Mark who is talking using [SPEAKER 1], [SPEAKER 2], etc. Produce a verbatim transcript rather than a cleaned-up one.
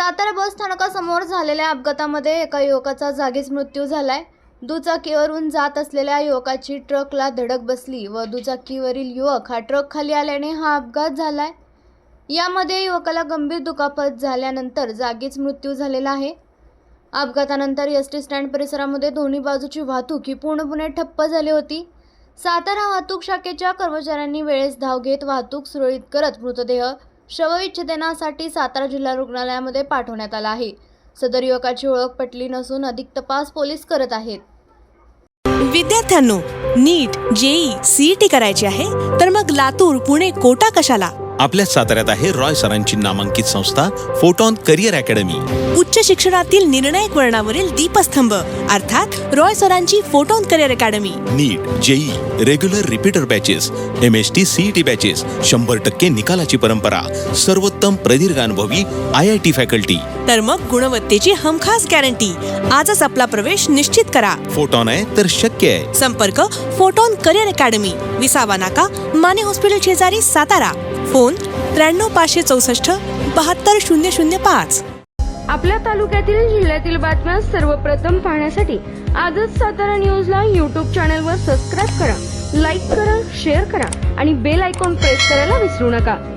[SPEAKER 1] सातारा बस स्थानकासमोर झालेल्या अपघातामध्ये एका युवकाचा जागीच मृत्यू झालाय। दुचाकीवरून जात असलेल्या युवकाची ट्रकला धडक बसली व दुचाकीवरील युवक हा ट्रक खाली आल्याने हा अपघात झालाय। यामध्ये युवकाला गंभीर दुखापत झाल्यानंतर जागीच मृत्यू झालेला आहे। अपघातानंतर एसटी स्टँड परिसरामध्ये दोन्ही बाजूची वाहतूक ही पूर्णपणे ठप्प झाली होती। सातारा वाहतूक शाखेच्या कर्मचाऱ्यांनी वेळेस धाव घेत वाहतूक सुरळीत करत मृतदेह शवविच्छेदनासाठी सातारा जिल्हा रुग्णालयामध्ये पाठवण्यात आला आहे। सदर युवकाची ओळख पटली नसून अधिक तपास पोलीस करत आहेत।
[SPEAKER 2] विद्यार्थ्यांनो, नीट, जेई, सीईटी करायची आहे तर मग लातूर, पुणे, कोटा कशाला?
[SPEAKER 3] आपल्या साताऱ्यात आहे रॉय सरांची नामांकित संस्था फोटॉन करिअर अकॅडमी।
[SPEAKER 2] उच्च शिक्षणातील निर्णायक वळणावरील दीपस्तंभ अर्थात रॉय सरांची Photon career academy.
[SPEAKER 3] NEET, JEE, regular repeater batches, M S T CET batches, शंभर टक्के निकालाची परंपरा, सर्वोत्तम प्रदीर्घ अनुभवी आय आय टी फॅकल्टी,
[SPEAKER 2] तर मग गुणवत्तेची हमखास गॅरंटी। आजच आपला प्रवेश निश्चित करा।
[SPEAKER 3] फोटॉन आहे तर शक्य आहे।
[SPEAKER 2] संपर्क फोटॉन करिअर अकॅडमी, विसावा नाका, माने हॉस्पिटल शेजारी, सातारा। फोन त्र्याण्णव पाचशे चौसष्ट बहात्तर शून्य शून्य पाच।
[SPEAKER 4] आपल्या तालुक्यातील जिल्ह्यातील बातम्या सर्वप्रथम पाहण्यासाठी आजच सातारा न्यूजला यूट्यूब चॅनलवर सबस्क्राईब करा, लाईक करा, शेअर करा आणि बेल आयकॉन प्रेस करायला विसरू नका।